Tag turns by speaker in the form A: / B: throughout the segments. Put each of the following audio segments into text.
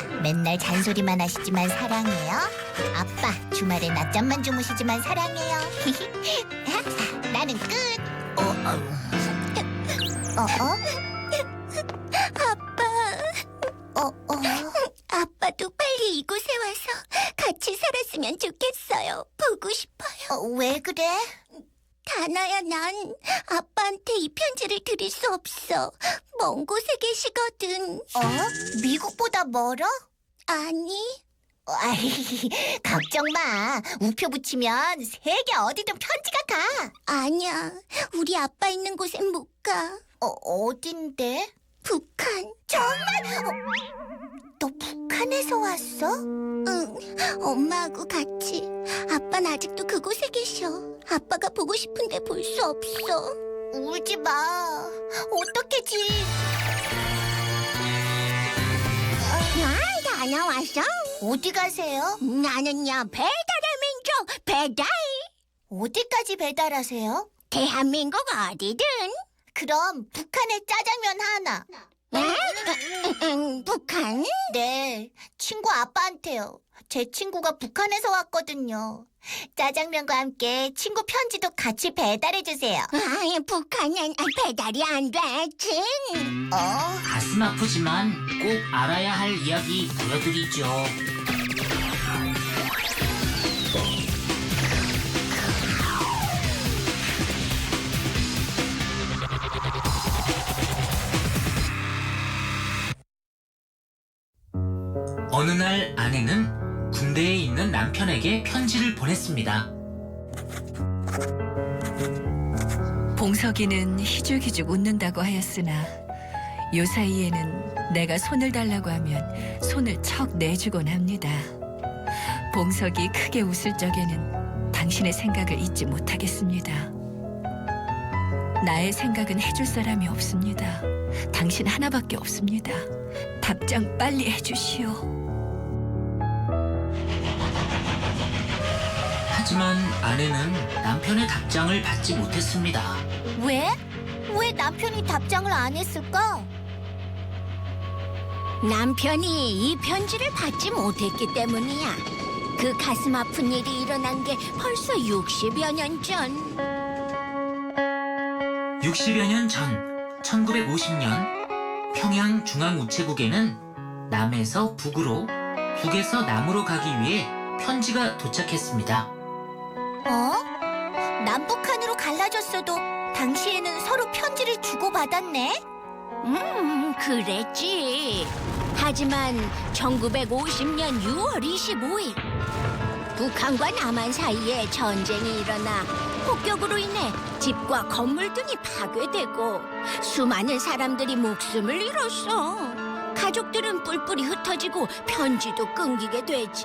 A: 맨날 잔소리만 하시지만 사랑해요. 아빠, 주말에 낮잠만 주무시지만 사랑해요. 나는 끝.
B: 아빠. 아빠도 빨리 이곳에 와서 같이 살았으면 좋겠어요. 보고 싶어요.
A: 왜 그래?
B: 다나야, 난 아빠한테 이 편지를 드릴 수 없어. 먼 곳에 계시거든.
A: 미국보다 멀어?
B: 아니,
A: 걱정 마. 우표 붙이면 세계 어디든 편지가 가.
B: 아니야. 우리 아빠 있는 곳엔 못 가.
A: 어딘데?
B: 북한.
A: 너 북한에서 왔어?
B: 응, 엄마하고 같이. 아빠는 아직도 그곳에 계셔. 아빠가 보고 싶은데 볼 수 없어.
A: 울지 마. 어떡하지?
B: 다나 왔어?
A: 어디 가세요?
B: 나는요, 배달의 민족 배달.
A: 어디까지 배달하세요?
B: 대한민국 어디든.
A: 그럼 북한의 짜장면 하나.
B: 북한?
A: 네, 친구 아빠한테요. 제 친구가 북한에서 왔거든요. 짜장면과 함께 친구 편지도 같이 배달해주세요.
B: 북한은 배달이 안 되지.
C: 가슴 아프지만 꼭 알아야 할 이야기 보여드리죠. 어느 날 아내는 군대에 있는 남편에게 편지를 보냈습니다.
D: 봉석이는 희죽희죽 웃는다고 하였으나 요 사이에는 내가 손을 달라고 하면 손을 척 내주곤 합니다. 봉석이 크게 웃을 적에는 당신의 생각을 잊지 못하겠습니다. 나의 생각은 해줄 사람이 없습니다. 당신 하나밖에 없습니다. 답장 빨리 해주시오.
C: 하지만 아내는 남편의 답장을 받지 못했습니다.
A: 왜? 왜 남편이 답장을 안 했을까?
B: 남편이 이 편지를 받지 못했기 때문이야. 그 가슴 아픈 일이 일어난 게 벌써 60여 년 전.
C: 60여 년 전 1950년 평양 중앙우체국에는 남에서 북으로, 북에서 남으로 가기 위해 편지가 도착했습니다.
A: 남북한으로 갈라졌어도 당시에는 서로 편지를 주고받았네?
B: 그랬지. 하지만 1950년 6월 25일 북한과 남한 사이에 전쟁이 일어나 폭격으로 인해 집과 건물 등이 파괴되고 수많은 사람들이 목숨을 잃었어. 가족들은 뿔뿔이 흩어지고 편지도 끊기게 되지.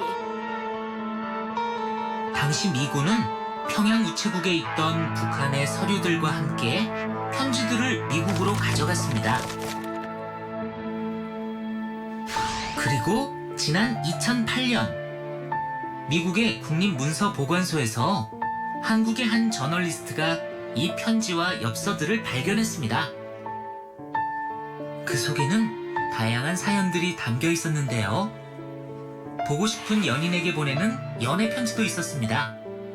C: 당시 미군은 평양 우체국에 있던 북한의 서류들과 함께 편지들을 미국으로 가져갔습니다. 그리고 지난 2008년 미국의 국립문서보관소에서 한국의 한 저널리스트가 이 편지와 엽서들을 발견했습니다. 그 속에는 다양한 사연들이 담겨 있었는데요. 보고 싶은 연인에게 보내는 연애 편지도 있었습니다.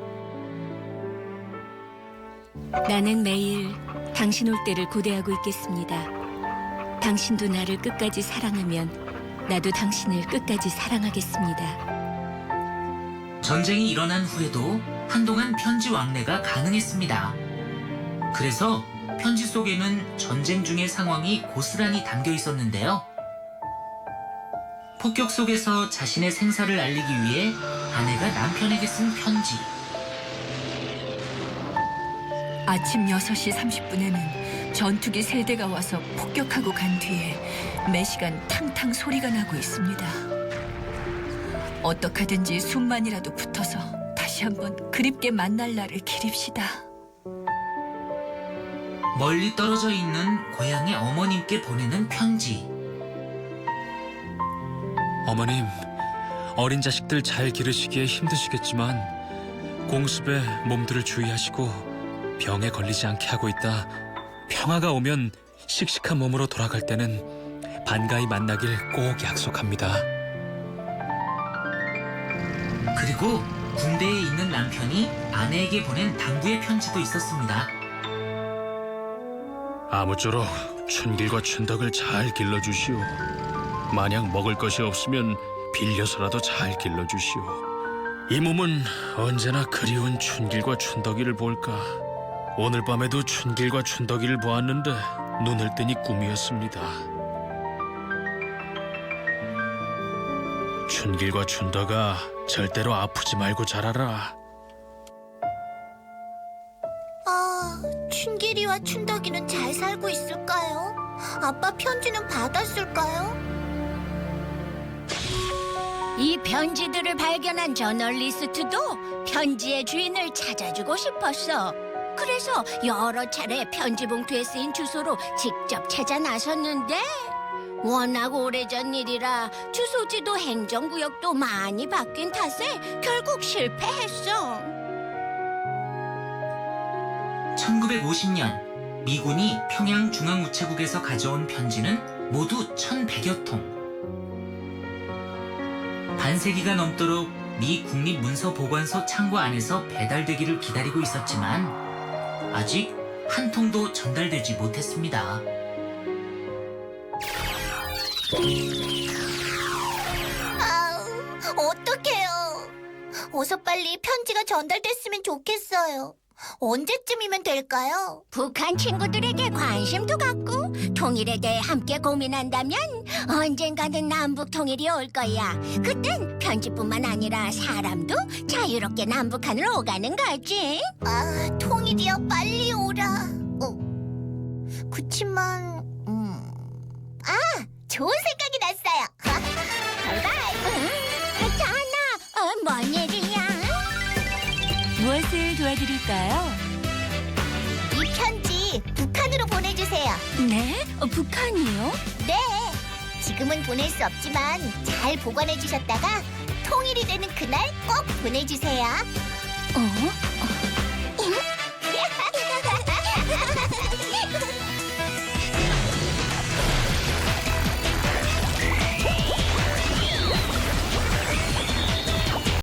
D: 나는 매일 당신 올 때를 고대하고 있겠습니다. 당신도 나를 끝까지 사랑하면 나도 당신을 끝까지 사랑하겠습니다.
C: 전쟁이 일어난 후에도 한동안 편지 왕래가 가능했습니다. 그래서 편지 속에는 전쟁 중의 상황이 고스란히 담겨 있었는데요. 폭격 속에서 자신의 생사를 알리기 위해 아내가 남편에게 쓴 편지.
D: 아침 6시 30분에는 전투기 3대가 와서 폭격하고 간 뒤에 매시간 탕탕 소리가 나고 있습니다. 어떡하든지 숨만이라도 붙어서 다시 한번 그립게 만날 날을 기립시다.
C: 멀리 떨어져 있는 고향의 어머님께 보내는 편지.
E: 어머님, 어린 자식들 잘 기르시기에 힘드시겠지만 공습에 몸들을 주의하시고 병에 걸리지 않게 하고 있다. 평화가 오면 씩씩한 몸으로 돌아갈 때는 반가이 만나길 꼭 약속합니다.
C: 그리고 군대에 있는 남편이 아내에게 보낸 당부의 편지도 있었습니다.
E: 아무쪼록 춘길과 춘덕을 잘 길러주시오. 만약 먹을 것이 없으면 빌려서라도 잘 길러주시오. 이 몸은 언제나 그리운 춘길과 춘덕이를 볼까. 오늘 밤에도 춘길과 춘덕이를 보았는데 눈을 뜨니 꿈이었습니다. 춘길과 춘덕아, 절대로 아프지 말고 자라라.
A: 아, 춘길이와 춘덕이는 잘 살고 있을까요? 아빠 편지는 받았을까요?
B: 이 편지들을 발견한 저널리스트도 편지의 주인을 찾아주고 싶었어. 그래서 여러 차례 편지 봉투에 쓰인 주소로 직접 찾아 나섰는데 워낙 오래전 일이라 주소지도 행정구역도 많이 바뀐 탓에 결국 실패했어.
C: 1950년 미군이 평양 중앙우체국에서 가져온 편지는 모두 1,100여 통. 반세기가 넘도록 미 국립문서보관소 창고 안에서 배달되기를 기다리고 있었지만 아직 한 통도 전달되지 못했습니다.
A: 아우, 어떡해요. 어서 빨리 편지가 전달됐으면 좋겠어요. 언제쯤이면 될까요?
B: 북한 친구들에게 관심도 갖고 통일에 대해 함께 고민한다면 언젠가는 남북 통일이 올 거야. 그땐 편지뿐만 아니라 사람도 자유롭게 남북한을 오가는 거지.
A: 아, 통일이여 빨리 오라. 그치만, 좋은 생각이 났어요. 바이바이.
B: 자나, 뭔 일이야?
D: 무엇을 도와드릴까요?
A: 이 편지 북한으로 보내주세요.
B: 네? 북한이요?
A: 네. 지금은 보낼 수 없지만 잘 보관해 주셨다가 통일이 되는 그날 꼭 보내주세요.
B: 어?